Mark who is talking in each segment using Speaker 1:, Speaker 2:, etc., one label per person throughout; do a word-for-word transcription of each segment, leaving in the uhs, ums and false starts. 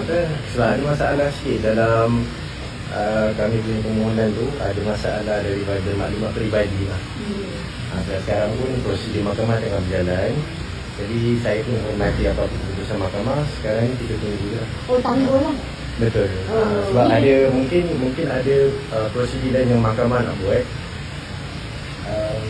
Speaker 1: betul. Sebab ada masalah sikit dalam uh, kami punya permohonan tu, ada masalah daripada maklumat peribadi lah. Hmm. Ha, sekarang pun prosedur mahkamah tengah berjalan. Jadi saya pun hormati apa keputusan mahkamah. Sekarang ni kita tunggu lah.
Speaker 2: Oh, tangguh lah.
Speaker 1: Betul. Oh, uh, sebab ini ada mungkin mungkin ada uh, prosedur lain yang mahkamah nak buat. Um,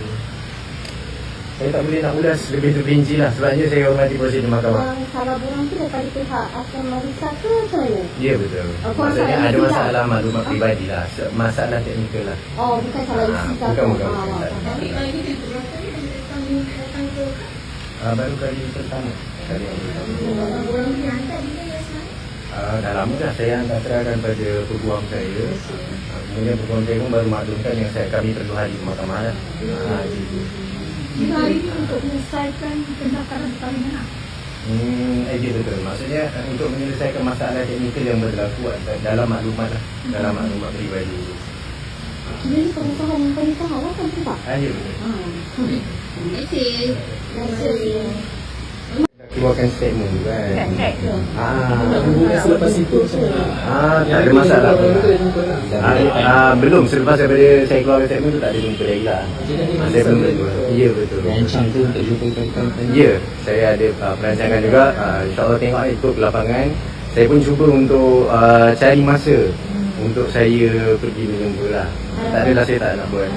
Speaker 1: saya tak boleh nak ulas lebih terperinci lah. Sebabnya saya hormati prosedur mahkamah.
Speaker 2: Um, kalau borang tu daripada pihak Asam Marisa ke macam mana?
Speaker 1: Ya, betul.
Speaker 2: Oh,
Speaker 1: maksudnya ada
Speaker 2: isi
Speaker 1: masalah
Speaker 2: lah.
Speaker 1: maklumat peribadi lah. Masalah teknikal lah.
Speaker 2: Oh, bukan salah isi ke?
Speaker 1: Bukan, bukan.
Speaker 2: Ah,
Speaker 1: bukan.
Speaker 2: tapi
Speaker 3: lagi itu berapa ni datang datang ke
Speaker 1: Uh, baru kali pertama. Kali yang pertama.
Speaker 3: borang ni hantar bila ya sekarang?
Speaker 1: Uh, dah lama dah saya hantar terangkan pada peguam saya. Uh, kemudian peguam saya pun baru maklumkan yang saya kami perlu hadir ke mahkamah lah. Uh, gitu.
Speaker 3: Jika hari ini untuk menyelesaikan pendaftaran perkahwinan.
Speaker 1: Hmm, eh, ya betul. Maksudnya uh, untuk menyelesaikan masalah teknikal yang berlaku dalam maklumat lah. Dalam maklumat peribadi.
Speaker 2: jadi pengusahaan pernikahan lah kan tak?
Speaker 1: Ah, ya betul.
Speaker 3: Terima kasih.
Speaker 2: Terima kasih.
Speaker 1: Keluarkan statement tu kan. Ah,
Speaker 4: Selepas itu
Speaker 1: ah, tak ada masalah. Ah, ah, belum selepas daripada saya keluarkan statement tu tak ada jumpa lagi lah. Saya belum jumpa. Ya betul.
Speaker 4: rancang tu untuk jumpa kawan-kawan.
Speaker 1: Ya, saya ada uh, perancangan juga. Uh, InsyaAllah tengok ikut ke lapangan. Saya pun cuba untuk uh, cari masa untuk saya pergi menjumpa lah. Tak adalah saya tak nak buat.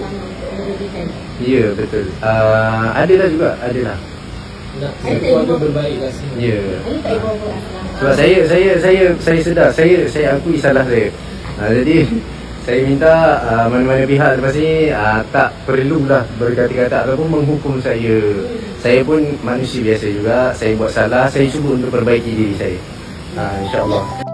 Speaker 1: Ya betul. Uh, adalah juga, adalah.
Speaker 4: Nak keluarga berbaik lah semua.
Speaker 1: Ya.
Speaker 2: Ini tak ibu apa?
Speaker 1: Sebab saya saya saya saya sedar, saya saya akui salah saya. Uh, jadi saya minta uh, mana-mana pihak lepas ni uh, tak perlulah berkata-kata ataupun menghukum saya. Saya pun manusia biasa juga. Saya buat salah, saya cuba untuk perbaiki diri saya. Uh, InsyaAllah.